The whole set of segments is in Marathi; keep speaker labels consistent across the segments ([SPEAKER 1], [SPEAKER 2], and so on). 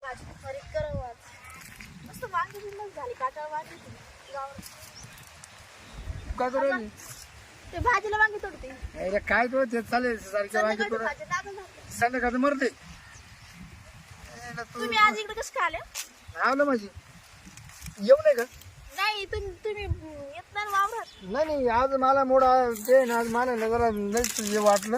[SPEAKER 1] काय करू
[SPEAKER 2] ते भाजीला वांगी तोडते.
[SPEAKER 1] अरे काय तो ते चालेल सारखं वांगे थोडं संध्याकाळचं मरते.
[SPEAKER 2] तुम्ही आज इकडे कसं आले?
[SPEAKER 1] आवलं माझी येऊ नाही का?
[SPEAKER 2] नाही तुम्ही येत नाही वावरात.
[SPEAKER 1] नाही आज मला मोडा ते ना आज मला ना जरा लईच वाटलं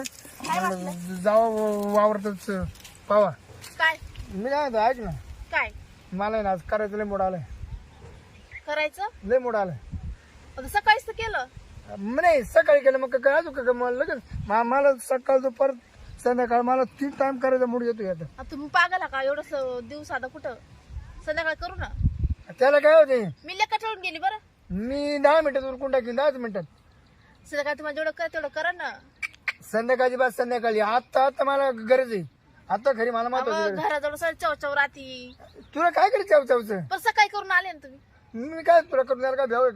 [SPEAKER 1] जावं वावरतच पावा.
[SPEAKER 2] काय
[SPEAKER 1] मी काय म्हणतो ऐक ना
[SPEAKER 2] काय
[SPEAKER 1] मला ना आज करायचं लय मोड आलंय.
[SPEAKER 2] करायचं
[SPEAKER 1] लय मोड आलंय.
[SPEAKER 2] आता सकाळीच तर केलं.
[SPEAKER 1] नाही सकाळी केलं मग काय अजून का मला लगेच मला सकाळ दुपार संध्याकाळ मला 3 टाइम करायचा मूड येतो आता.
[SPEAKER 2] आता तुम्ही पागल का एवढं दिवस आता कुठं संध्याकाळ करू ना.
[SPEAKER 1] त्याला काय होते
[SPEAKER 2] मी लेखा ठेवून गेली बरं.
[SPEAKER 1] मी 10 मिनिटात उरकून टाकीन 10 मिनिटात.
[SPEAKER 2] संध्याकाळ तुम्हाला जेवढं कर तेवढं करा ना.
[SPEAKER 1] संध्याकाळची बात संध्याकाळी आता मला गरज आहे. आता खरी मला महत्वाची गरज.
[SPEAKER 2] घराजवळ सर चवचव राहती.
[SPEAKER 1] तुला काय करे चावचावचं
[SPEAKER 2] पण सकाळी करून आले ना तुम्ही.
[SPEAKER 1] मी काय तुला करून द्यायला काय भ्याव आहे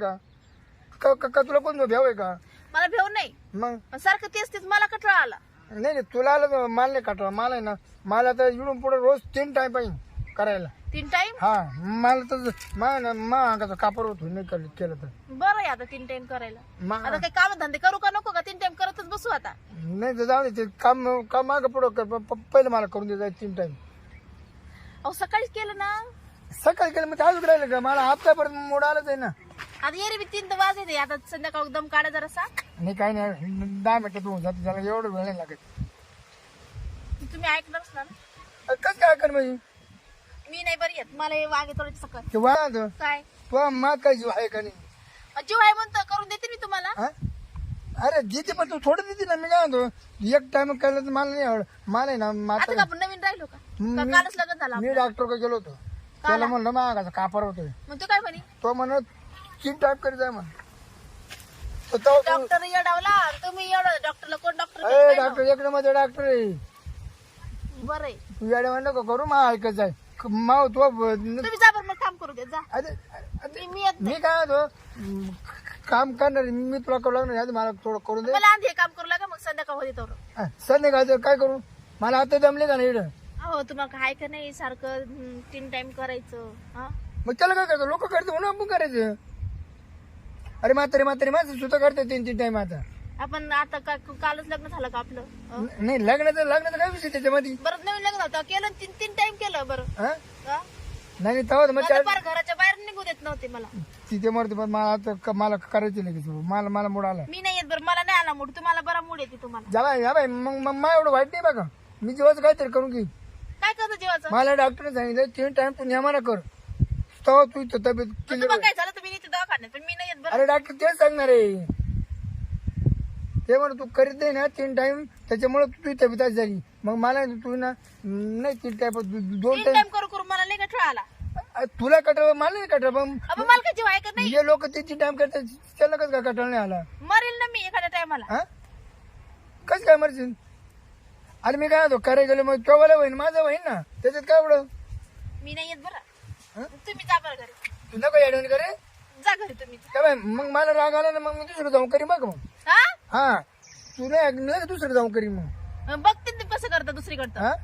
[SPEAKER 1] का तुला कोण भ्याव आहे का?
[SPEAKER 2] मला भेव नाही
[SPEAKER 1] मग
[SPEAKER 2] पण सारखं तेच तेच मला कठळा आला.
[SPEAKER 1] नाही तुला आलं तर मला नाही काटवा. मला आहे ना मला तर इकडून पुढे रोज 3 टाइम पाहिजे करायला.
[SPEAKER 2] 3 टाइम
[SPEAKER 1] हा मला तर अंगाचा कापर होतो नाही केलं तर.
[SPEAKER 2] बरं आहे आता 3 टाइम करायला.
[SPEAKER 1] मा-
[SPEAKER 2] आता काही काम धंदे करू का नको का 3 टाइम करतच बसू आता.
[SPEAKER 1] नाही तर जाऊ दे ते काम मागं पुढं कर पहिलं मला करून दे 3 टाइम.
[SPEAKER 2] अहो सकाळीच केलं ना.
[SPEAKER 1] सकाळी केलं मग अजून राहिलं का मला हप्तापर्यंत मोड आलंच आहे ना.
[SPEAKER 2] आता ये रे मी 3 वाजले आता संध्याकाळ दम काढा जरासा.
[SPEAKER 1] नाही काही नाही 10 मिनिटात होऊन जाते त्याला एवढं वेळ नाही लागत.
[SPEAKER 2] तुम्ही ऐकणारच ना.
[SPEAKER 1] कसं काय कर म्हणजे
[SPEAKER 2] मी नाही बरी येत मला हे वागे थोडे सकाळ.
[SPEAKER 1] ते वाद
[SPEAKER 2] काय
[SPEAKER 1] तुला माग काय जीव आहे का नाही?
[SPEAKER 2] जीव आहे म्हणतो करून देते मी तुम्हाला.
[SPEAKER 1] हा? अरे देते पण तू थोडं देते ना. मी काय म्हणतो 1 टाइम केलं तर मला नाही आवड. मला आहे ना
[SPEAKER 2] आता
[SPEAKER 1] माता
[SPEAKER 2] का आपण नवीन राहिलो का
[SPEAKER 1] मी-
[SPEAKER 2] कालच लग्न झालं
[SPEAKER 1] मी
[SPEAKER 2] आपलं.
[SPEAKER 1] डॉक्टर गेलो होतो. त्याला म्हणलं मागाचा कापर होतोय.
[SPEAKER 2] मग तू काय म्हणे
[SPEAKER 1] तो म्हणत 3 टाइम करी जाय म्हण. तर तो
[SPEAKER 2] डॉक्टर येडावला तुम्ही एवढं डॉक्टरला कोण
[SPEAKER 1] डॉक्टर
[SPEAKER 2] डॉक्टर
[SPEAKER 1] एक मध्ये डॉक्टर आहे.
[SPEAKER 2] बरं आहे.
[SPEAKER 1] तू याडे म्हणलं का करू मा ऐकत जाय माव तो
[SPEAKER 2] तुम्ही जा बरं मग काम करू दे जा. मी येत
[SPEAKER 1] मी काय म्हणतो काम करणार मी तुला करू लागणार आधी मला थोडं करून दे.
[SPEAKER 2] मला आधी हे काम करू लागा मग संध्याकाळ होते तर.
[SPEAKER 1] संध्याकाळचं काय करू मला आता जमले का नाही?
[SPEAKER 2] हो तुम्हाला काय का नाही सारखं 3 टाइम करायचं. हा
[SPEAKER 1] मग त्याला काय करतो लोक करते म्हणून आपण करायचं. अरे म्हातारी माणसं सुद्धा करते 3 टाइम. आता
[SPEAKER 2] आपण आता कालच लग्न झालं का आपलं.
[SPEAKER 1] नाही लग्नाचं काय विषय त्याच्यामध्ये.
[SPEAKER 2] बरं नवीन लग्न होतं केलं 3 टाइम केलं बरं.
[SPEAKER 1] हा?
[SPEAKER 2] हा?
[SPEAKER 1] नाही तेव्हा तर मग
[SPEAKER 2] मला फार घराच्या बाहेर निघू देत नव्हते मला.
[SPEAKER 1] तिथे मरते पण मला आता मला करायचं लगेच. मला मूड आला.
[SPEAKER 2] मी नाही येत बरं मला नाही आला मूड. तुम्हाला बरा मूड येते तुम्हाला.
[SPEAKER 1] जा बाई मग मला एवढं वाईट नाही बघा. मी जेव्हाच काहीतरी करून घे.
[SPEAKER 2] काय करतो जेवायचं.
[SPEAKER 1] मला डॉक्टरने सांगितलं 3 टाइम तू नियमाना कर तेव्हा तू तब्येत क्लिअर.
[SPEAKER 2] तुम्हाला काय झालं तुम्ही नाही दवाखान्यात पण मी नाही येत बरं.
[SPEAKER 1] अरे डॉक्टर तेच सांगणार आहे. ते म्हण तू करीत नाही ना 3 टाइम त्याच्यामुळे तुझी तब्येत अशी झाली. मग मला तू ना नाही 3 टाइम 2
[SPEAKER 2] 3
[SPEAKER 1] टाइम
[SPEAKER 2] टाइम करू मला नाही कठळा आला.
[SPEAKER 1] तुला कटळ मला नाही कटळ पण
[SPEAKER 2] अबे मला काय जीव आहे का नाही.
[SPEAKER 1] हे लोक 3 टाइम करतात त्याला कसं काय कटळ नाही आला?
[SPEAKER 2] मरेल ना मी एखाद्या टायमाला.
[SPEAKER 1] हा कसं काय मरशील? अरे मी काय होतो करायला गेलो मग केव्हा होईन माझं होईन ना त्याच्यात काय एवढं.
[SPEAKER 2] मी नाही येत बरं. तुम्ही जा बरं घरी.
[SPEAKER 1] तू नको ऍडवण करे
[SPEAKER 2] जा घरी तुम्ही.
[SPEAKER 1] काय बाई मग मला राग आला ना मग मी दुसरं जाऊन करी बघ मग.
[SPEAKER 2] हा
[SPEAKER 1] हा तू नाही दुसरं जाऊन करी मग.
[SPEAKER 2] बघते ते कसं करता दुसरीकडं.
[SPEAKER 1] हा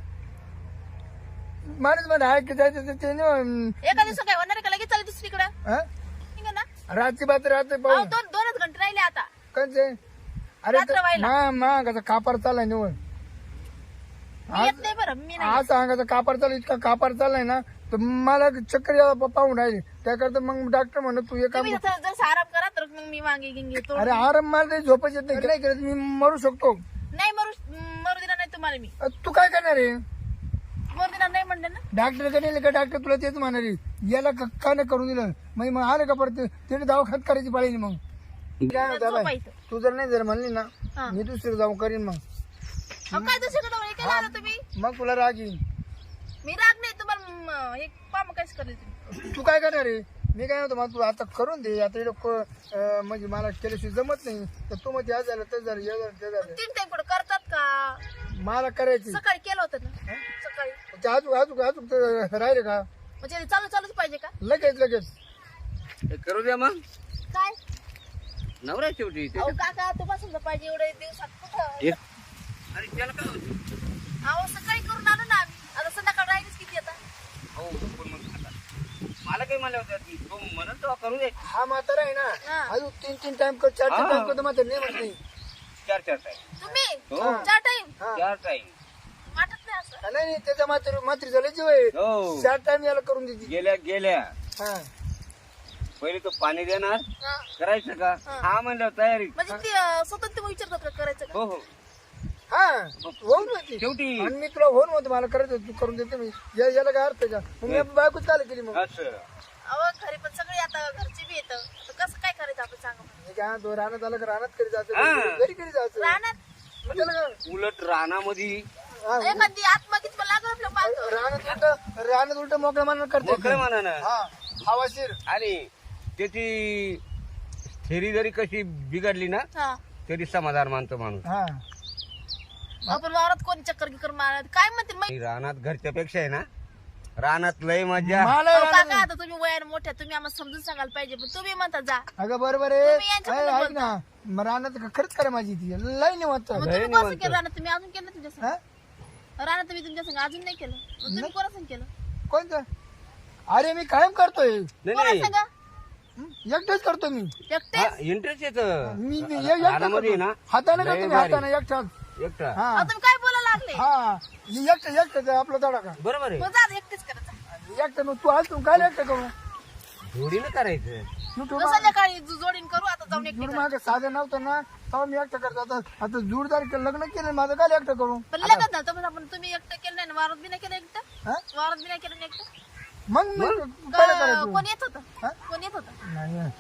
[SPEAKER 1] माणूस मध्ये आहे की जायचं
[SPEAKER 2] एका दिवस काय होणार आहे का लगेच चालेल दुसरीकडं.
[SPEAKER 1] हा
[SPEAKER 2] ठीक ना.
[SPEAKER 1] रातची बात राहते
[SPEAKER 2] अहो,
[SPEAKER 1] पाहून
[SPEAKER 2] 2-2च घंटे राहिले आता.
[SPEAKER 1] कंचे. अरे
[SPEAKER 2] रात्र व्हायला.
[SPEAKER 1] मागाचा कापार चाललाय निवड.
[SPEAKER 2] मी येत नाही बरं मी नाही.
[SPEAKER 1] आज अंगाचा कापार चालू इतका कापार चाललाय ना तर मला चक्कर यायला पाहून राहिले. त्याकरता मग डॉक्टर म्हणत तू हे काम
[SPEAKER 2] तुम्ही जर आराम करा तर मग मी वांगे गिंगे तोड.
[SPEAKER 1] अरे आराम मला काही झोपच येत नाही करत मी मरू शकतो.
[SPEAKER 2] नाही मरू देणार नाही तुम्हाला मी.
[SPEAKER 1] तू काय करणार आहे?
[SPEAKER 2] मरू देणार नाही म्हणलं ना.
[SPEAKER 1] डॉक्टर कडे का डॉक्टर तुला तेच म्हणणार आहे याला का नाही करून दिलं मग आलं का परत तिने दवाखान्यात करायची पाहिजे. मग काय होतं बाई,
[SPEAKER 2] झोपायचं.
[SPEAKER 1] तू जर नाही जर म्हणली ना
[SPEAKER 2] हा.
[SPEAKER 1] मी दुसरं जाऊन करीन मग.
[SPEAKER 2] अहो, काय दुसरीकडे केलं आलं तुम्ही.
[SPEAKER 1] मग तुला राग येईल.
[SPEAKER 2] मी राग नाही तुम्हाला एक काम काहीच करेल तुम्ही.
[SPEAKER 1] तू काय करणार आहे? मी काय म्हणतो मग तू आता करून दे. आता इकडं म्हणजे मला केल्याशिवाय जमत नाही तर तू मग या झालं तर झालं हे झालं ते झालं.
[SPEAKER 2] 3 टाइम कुठं करतात का.
[SPEAKER 1] मला करायची
[SPEAKER 2] सकाळी केलं होतं ना सकाळी.
[SPEAKER 1] ते अजून राहिले का
[SPEAKER 2] म्हणजे चालूच पाहिजे का.
[SPEAKER 1] लगेच
[SPEAKER 3] हे करू द्या मग.
[SPEAKER 2] काय
[SPEAKER 3] नवरा शेवटी ते.
[SPEAKER 2] अहो काका तुम्हाला समजा पाहिजे एवढे दिवसात कुठं.
[SPEAKER 3] हे- अरे त्याला काय होतं?
[SPEAKER 2] अहो सकाळी करून आलो ना आम्ही. आता संध्याकाळ राहिलीच किती आता.
[SPEAKER 3] अहो काही मला होत्या तो म्हणत तेव्हा करू दे.
[SPEAKER 1] हा म्हातारा आहे
[SPEAKER 2] हा.
[SPEAKER 1] ना अजून 3 टाइम कर 4
[SPEAKER 3] हा.
[SPEAKER 1] टाइम करतो म्हातारा नाही म्हणत नाही.
[SPEAKER 3] 4 टाइम.
[SPEAKER 2] तुम्ही
[SPEAKER 3] हो.
[SPEAKER 2] 4 टाइम
[SPEAKER 1] हा.
[SPEAKER 3] 4 टाइम.
[SPEAKER 2] वाटत नाही असं.
[SPEAKER 1] नाही त्याचा मात्री झालं जीव आहे
[SPEAKER 3] हो
[SPEAKER 1] 4 टाइम याला करून देते.
[SPEAKER 3] गेल्या
[SPEAKER 1] हा
[SPEAKER 3] पहिले तो पाणी देणार
[SPEAKER 2] हा.
[SPEAKER 3] करायचं का हा म्हणलं तयारी.
[SPEAKER 2] म्हणजे ते स्वतंत्र विचारतात का करायचं का?
[SPEAKER 3] हो हो
[SPEAKER 1] हा होऊन होती
[SPEAKER 3] शेवटी
[SPEAKER 1] आणि मी तुला होऊन होतं मला करायचं होतं, तू करून देते मी याला काय अर्थ आहे का मग मी बायकोच चालू केली मग
[SPEAKER 3] असं
[SPEAKER 2] अहो घरी पण सगळे आता घरचे बी येतं आता कसं काय करायचं आपण सांगा मला.
[SPEAKER 1] मी काय तो रानात आलं का रानात करी
[SPEAKER 3] हा.
[SPEAKER 1] जायचं घरी करी जायचं
[SPEAKER 2] राहणार
[SPEAKER 1] मग त्याला काय
[SPEAKER 3] उलट रानामध्ये
[SPEAKER 1] हा,
[SPEAKER 2] एखादी आत्मगीत पण लागलं आपलं पाहतो.
[SPEAKER 1] रानात उलट मोकळं मान करते
[SPEAKER 3] मोकळं म्हणानं.
[SPEAKER 1] हा हवाशीर
[SPEAKER 3] आणि त्याची थेरी जरी कशी बिघडली ना
[SPEAKER 2] हा
[SPEAKER 3] तरी समाधान मानतो माणूस.
[SPEAKER 1] हा
[SPEAKER 2] आपण वावरात कोणी चक्कर गिकर मारत काय म्हणतील माहिती
[SPEAKER 3] आणि रानात घरच्या पेक्षा आहे ना रानात लय मजा.
[SPEAKER 1] मला
[SPEAKER 2] अहो,
[SPEAKER 1] रानात-
[SPEAKER 2] काका आता तुम्ही वयाने मोठ्या तुम्ही आम्हाला समजून सांगायला पाहिजे पण तुम्ही म्हणता जा
[SPEAKER 1] अगं बरोबर
[SPEAKER 2] तुम्ही यांच्या
[SPEAKER 1] आहे
[SPEAKER 2] बरोबर
[SPEAKER 1] ऐक ना मग रानात खरंच करा माझी ती लय नाही वाटत
[SPEAKER 2] मग तुम्ही कसं केलं राहणार तुम्ही अजून केलं तुमच्या संग राहणार तुम्ही तुमच्या संग अजून नाही केलं मग तुम्ही कोणा संग केलं
[SPEAKER 1] कोणतं अरे मी कायम करतोय
[SPEAKER 3] नाही
[SPEAKER 2] कोणा
[SPEAKER 3] नाही
[SPEAKER 2] संग
[SPEAKER 1] एकटाच करतो मी
[SPEAKER 2] एकटे
[SPEAKER 3] इंटरेस्ट येत
[SPEAKER 1] मी एकटाच
[SPEAKER 3] रानामध्ये
[SPEAKER 1] करतो.
[SPEAKER 3] ना
[SPEAKER 1] हाताने
[SPEAKER 3] लय
[SPEAKER 1] करतो मी
[SPEAKER 3] भारी.
[SPEAKER 1] हाताने एकटाच
[SPEAKER 3] एकटा
[SPEAKER 1] हा
[SPEAKER 2] अहो, तुम्ही काय बोलायला लागले
[SPEAKER 1] हा एकटाच आपला तडा का
[SPEAKER 3] बरोबर आहे.
[SPEAKER 2] मग जा एकटेच करायचं
[SPEAKER 1] एकटा मग तू आज तू काय एकटा करू
[SPEAKER 3] जोडीनं करायचं.
[SPEAKER 2] मग संध्याकाळी जोडीन करू आता जाऊन एकटे
[SPEAKER 1] जुड मागे साधं नव्हतं ना तेव्हा मी एकटा करतो आता जुडदार लग्न केलं माझं काय एकटा करू
[SPEAKER 2] पण लग्न झालं तर आपण तुम्ही एकटं केलं नाही ना वावरात बी नाही केलं एकटं
[SPEAKER 1] हा?
[SPEAKER 2] वावरात बी नाही केलं ना एकटं
[SPEAKER 1] मग मी पहिलं करायचो
[SPEAKER 2] कोण येत होतं
[SPEAKER 1] हा?
[SPEAKER 2] कोण येत होतं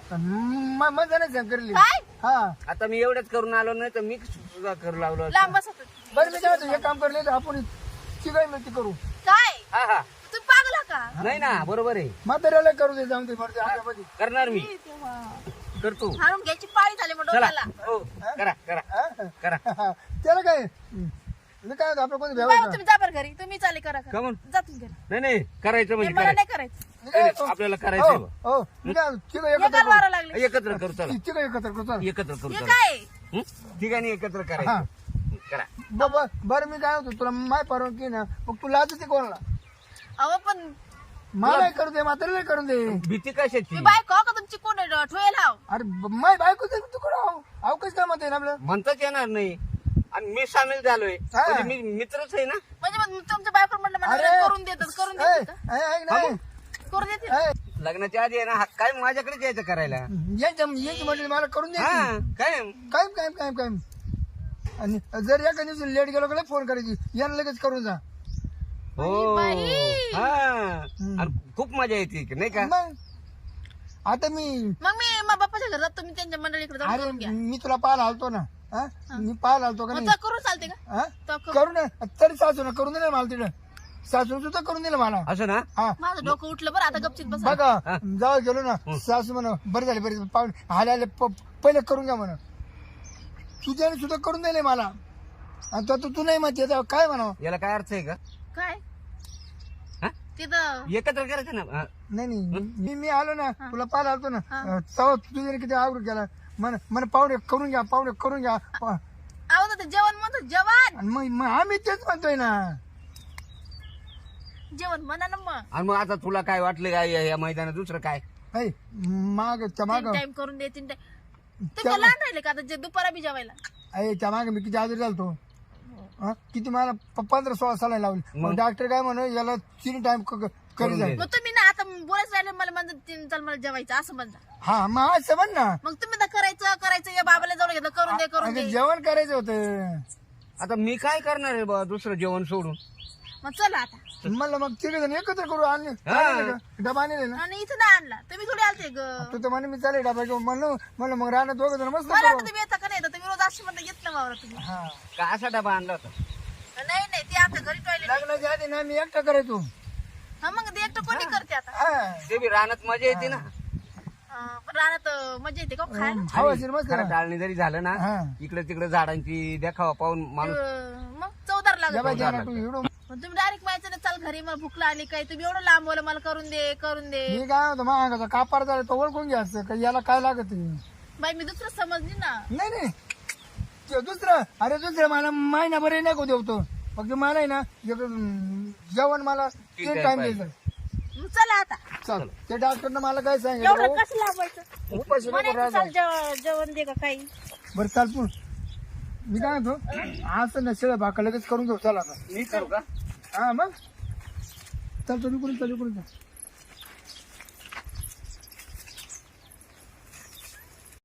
[SPEAKER 1] नाही मजा नाही करली
[SPEAKER 2] काय
[SPEAKER 1] हा
[SPEAKER 3] आता मी एवढंच करून आलो नाही तर मी सुद्धा करू लागलो असतो.
[SPEAKER 2] लांब बसत होते.
[SPEAKER 1] बरं मी काय म्हणतो, हे काम करले तर आपण चिकाई मिळती करू
[SPEAKER 2] काय
[SPEAKER 3] हा हा
[SPEAKER 2] तुम्ही पागला का
[SPEAKER 3] नाही ना बरोबर आहे
[SPEAKER 1] म्हाताऱ्याला करू दे जाऊन ते मरते आपल्यामध्ये
[SPEAKER 3] करणार मी
[SPEAKER 2] तेव्हा
[SPEAKER 3] करतो.
[SPEAKER 2] हाणून घ्यायची पाळी झाली मग
[SPEAKER 3] चला
[SPEAKER 2] डोक्याला
[SPEAKER 3] हो करा करा
[SPEAKER 1] हा?
[SPEAKER 3] करा.
[SPEAKER 1] त्याला काय मी काय म्हणतो, आपलं कोणी
[SPEAKER 2] बाबा,
[SPEAKER 1] भेवायचं
[SPEAKER 2] तुम्ही जा बरं घरी तुम्ही चाले करा
[SPEAKER 3] का म्हणून?
[SPEAKER 2] जा तुम्ही घरी
[SPEAKER 3] नाही नाही करायचं
[SPEAKER 2] हे
[SPEAKER 3] म्हणजे
[SPEAKER 2] मला
[SPEAKER 3] करायचं.
[SPEAKER 2] नाही करायचं
[SPEAKER 1] मी काय
[SPEAKER 3] नाही,
[SPEAKER 1] म्हणतो,
[SPEAKER 3] आपल्याला
[SPEAKER 1] हो
[SPEAKER 3] करायचं
[SPEAKER 1] हो मी काय म्हणतो, तिघं एकत्र
[SPEAKER 2] एकाला
[SPEAKER 1] करू
[SPEAKER 2] वारा लागले
[SPEAKER 3] एकत्र करू चला
[SPEAKER 1] तिघं एकत्र करू चल.
[SPEAKER 3] एकत्र करू
[SPEAKER 2] हे
[SPEAKER 3] चला
[SPEAKER 2] काय
[SPEAKER 3] हं? ठिकाणी एकत्र
[SPEAKER 1] हा.
[SPEAKER 3] करायचं करा.
[SPEAKER 1] बरं मी काय होतो तुला माय परवानगी ना मग तू लाजते कोणाला
[SPEAKER 2] अहो पण
[SPEAKER 1] मला करू दे म्हाताऱ्याला करून दे
[SPEAKER 3] भीती कशाची
[SPEAKER 2] मी बायको का तुमची कोण आहे? ठेवेल हाव
[SPEAKER 1] अरे माय बायको तू कुठं आव कसं काय म्हणते ना आपलं
[SPEAKER 3] म्हणताच येणार नाही आणि मी सामील झालोय
[SPEAKER 1] हा.
[SPEAKER 3] म्हणजे मी मित्रच आहे ना.
[SPEAKER 2] म्हणजे मग तुमच्या बायको म्हणलं मला
[SPEAKER 1] अरे.
[SPEAKER 2] करून देतात करून
[SPEAKER 1] ऐ,
[SPEAKER 2] देतात का?
[SPEAKER 1] ऐ, ऐक नाही
[SPEAKER 2] करून देते
[SPEAKER 1] ऐ,
[SPEAKER 3] लग्नाच्या आधी आहे ना हा काय माझ्याकडेच यायचं करायला.
[SPEAKER 1] यांची म्हणजे मला करून दे
[SPEAKER 3] हा काय
[SPEAKER 1] काय आणि जर एका दिवशी लेट गेलो का फोन करायची यांना लगेच करून जा
[SPEAKER 3] हो
[SPEAKER 2] बाई.
[SPEAKER 3] हा आणि खूप मजा येते की नाही का.
[SPEAKER 1] मग आता मी
[SPEAKER 2] मग मी मग बाप्पाच्या घरात तुम्ही त्यांच्या मंडळीकडे जाऊन
[SPEAKER 1] अरे
[SPEAKER 2] करून घ्या
[SPEAKER 1] मी तुला पाहायला आलतो ना हा? मी पाहायला आलतो का
[SPEAKER 2] मग
[SPEAKER 1] नाही
[SPEAKER 2] तर करून चालते का
[SPEAKER 1] हा?
[SPEAKER 2] तर करू.
[SPEAKER 1] करू ना तरी सासून करून दिलं मला तिथं सासून सुद्धा करून दिलं मला
[SPEAKER 3] असं ना.
[SPEAKER 2] हो. माझं डोकं उठलं बरं आता गपचित बसा
[SPEAKER 1] बघा जाऊ गेलो ना सासू म्हणा बरं झाले बरे पाहुणे आले पहिले करून घ्या म्हणा तुझ्याने सुद्धा करून दिले मला आणि तू नाही म्हणते आता काय म्हणावं
[SPEAKER 3] याला काय अर्थ आहे का.
[SPEAKER 2] काय
[SPEAKER 3] हा?
[SPEAKER 2] तिथं
[SPEAKER 3] एकत्र करायचं ना हा.
[SPEAKER 1] नाही मी आलो ना तुला पाहायला आलतो ना तेव्हा तुझ्याने किती आवडून केला मन पाहुणे करून घ्या
[SPEAKER 2] अहो ना ते जेवण म्हणतो जेवण
[SPEAKER 1] आणि मग आम्ही तेच म्हणतोय ना
[SPEAKER 2] जेवण म्हणा ना मग
[SPEAKER 3] आणि मग आता तुला काय वाटलं काय या मैदानात दुसरं काय.
[SPEAKER 1] ऐ, माग त्या माग
[SPEAKER 2] टाइम करून दे 3 टाइम तुम्ही काय लहान राहिले का आता जे दुपारा बी जेवायला
[SPEAKER 1] त्या मागे मी किती आजारी झालतो हा? किती मला 15-16 साला लावली मग डॉक्टर काय म्हणू याला 3 टाइम करी जाईल
[SPEAKER 2] मग तुम्ही ना आता बोलायचं राहिले मला म्हणतात चल मला जेवायचं असं म्हणता
[SPEAKER 1] हा मग असं म्हण ना
[SPEAKER 2] मग तुम्ही तर करायचं या बाबाला जाऊन घेतलं करून दे
[SPEAKER 1] अगं, जेवण करायचं होतं
[SPEAKER 3] आता मी काय करणार आहे बा दुसरं जेवण सोडून.
[SPEAKER 2] मग चला आता
[SPEAKER 1] म्हणलं मग तिघ जण एकत्र करू आणि डबा आणले ना
[SPEAKER 2] आणि इथं नाही आणला तुम्ही थोडी आलते ग
[SPEAKER 1] तू तर म्हणे मी चालेल डबा घेऊन म्हणलं मग राहणार दोघं जण मस्त
[SPEAKER 2] मला
[SPEAKER 1] करू.
[SPEAKER 2] वाटतं तुम्ही येता का नाही येता तुम्ही रोज अशी म्हणता येत ना वावर तुम्ही
[SPEAKER 1] हा
[SPEAKER 3] का असा डबा आणला होता.
[SPEAKER 2] नाही ते आता घरी टॉयलेट
[SPEAKER 1] लग्नाच्या आधी ना मी एकटा करायचो
[SPEAKER 2] हा मग ते एकटं कोणी करते आता
[SPEAKER 1] हा
[SPEAKER 3] ते बी रानात मजा येते ना.
[SPEAKER 2] पण राहण्यात मजा येते का हो खायला
[SPEAKER 1] हवाशीर मस्त
[SPEAKER 3] खरं
[SPEAKER 1] ना.
[SPEAKER 3] टाळणी जरी झालं ना
[SPEAKER 1] हा.
[SPEAKER 3] इकडे तिकडे झाडांची देखावा पाहून माणूस
[SPEAKER 2] मग चौदार
[SPEAKER 1] डबा
[SPEAKER 2] लागत
[SPEAKER 1] द्या ना तू एवढं
[SPEAKER 2] मग तुम्ही डायरेक्ट माहिती ना चाल घरी मला भूक लागली काय तुम्ही एवढं लांब बोला मला करून दे
[SPEAKER 1] मी काय होतं महागाचा कापार झाला तो ओळखून घ्यायचं का याला काय लागत
[SPEAKER 2] बाई मी दुसरं समजली ना
[SPEAKER 1] नाही ते दुसरं मला महिनाभर नाही को देवतो फक्त मला आहे ना जेवण मला 3 टाइम द्यायचं
[SPEAKER 4] चला आता
[SPEAKER 1] चल ते डॉक्टरनं मला काय
[SPEAKER 4] एवढं
[SPEAKER 1] सांगितलं
[SPEAKER 4] कसं लावायचं
[SPEAKER 1] उपाशी नको
[SPEAKER 4] म्हणायचं
[SPEAKER 1] राहायचं.
[SPEAKER 4] चाल जेवण दे का काही
[SPEAKER 1] बरं चाल तू मी काय म्हणतो आज नसेल भाका लगेच करून घेऊ चला आता
[SPEAKER 3] मी करू का
[SPEAKER 1] हा मग चल तुम्ही करून चल